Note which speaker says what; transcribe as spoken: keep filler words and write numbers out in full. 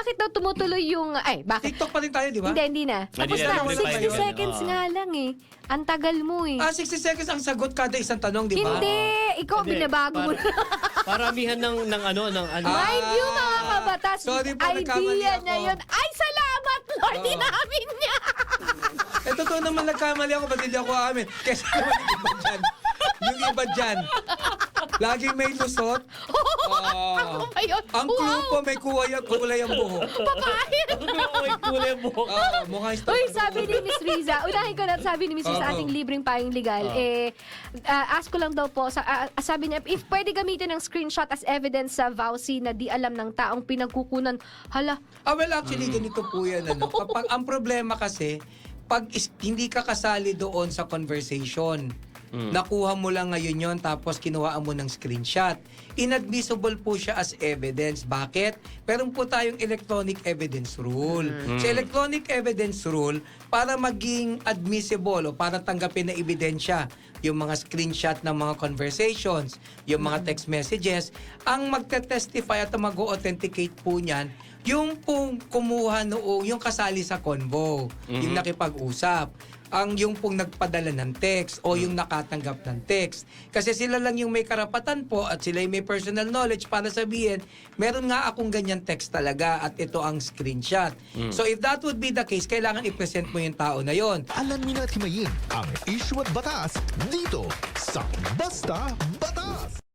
Speaker 1: bakit daw tumutuloy yung, ay, bakit?
Speaker 2: TikTok pa rin tayo, di ba?
Speaker 1: Hindi, hindi na.
Speaker 3: Hindi
Speaker 1: Tapos
Speaker 3: na,
Speaker 1: na,
Speaker 3: hindi pa
Speaker 1: sixty
Speaker 3: yun.
Speaker 1: seconds
Speaker 3: Oo.
Speaker 1: nga lang eh. Ang tagal mo eh.
Speaker 2: Ah, sixty seconds ang sagot kada isang tanong, di ba?
Speaker 1: Hindi, ikaw
Speaker 3: Hindi,
Speaker 1: binabago mo
Speaker 3: para-
Speaker 1: na.
Speaker 3: Paramihan ng, ng ano, ng ano.
Speaker 2: Ah,
Speaker 1: Mind you, mga kabatas,
Speaker 2: sorry po, nagkamali
Speaker 1: idea
Speaker 2: ako.
Speaker 1: niya yun. Ay, salamat, Lord,
Speaker 2: Oo.
Speaker 1: inamin niya.
Speaker 2: Eh, totoo naman nagkamali ako, ba't hindi ako amin? Kasi naman yung iba dyan. Yung iba dyan. Laging may lusot. Ah,
Speaker 1: Ako ba yun?
Speaker 2: ang clue po, may kulay, kulay ang buhok.
Speaker 1: Papahit.
Speaker 3: Uy, kulay buhok.
Speaker 2: Ah, mukha yung
Speaker 1: Uy, sabi ni Miss Riza, unahin ko na sabi ni Miss Riza sa
Speaker 2: Oo.
Speaker 1: ating libreng pahing legal, eh, ah, ask ko lang daw po, sa, ah, sabi niya, if pwede gamitin ng screenshot as evidence sa vowsy na di alam ng taong pinagkukunan, hala,
Speaker 2: Ah, well, actually, ganito po yan. Ano? Kapag, ang problema kasi, pag is, hindi ka kasali doon sa conversation, nakuha mo lang ngayon yon tapos kinuhaan mo ng screenshot. Inadmissible po siya as evidence. Bakit? Meron po tayong electronic evidence rule. Sa electronic evidence rule, para maging admissible o para tanggapin na ebidensya yung mga screenshot ng mga conversations, yung mga text messages, ang magte-testify at mag-authenticate po niyan, yung pong kumuha noong, yung kasali sa convo, yung nakipag-usap, ang yung pong nagpadala ng text o yung nakatanggap ng text. Kasi sila lang yung may karapatan po at sila yung may personal knowledge para sabihin, meron nga akong ganyan text talaga at ito ang screenshot. So if that would be the case, kailangan i-present mo yung tao na yon.
Speaker 4: Alamin at himayin ang issue at batas dito sa Basta Batas!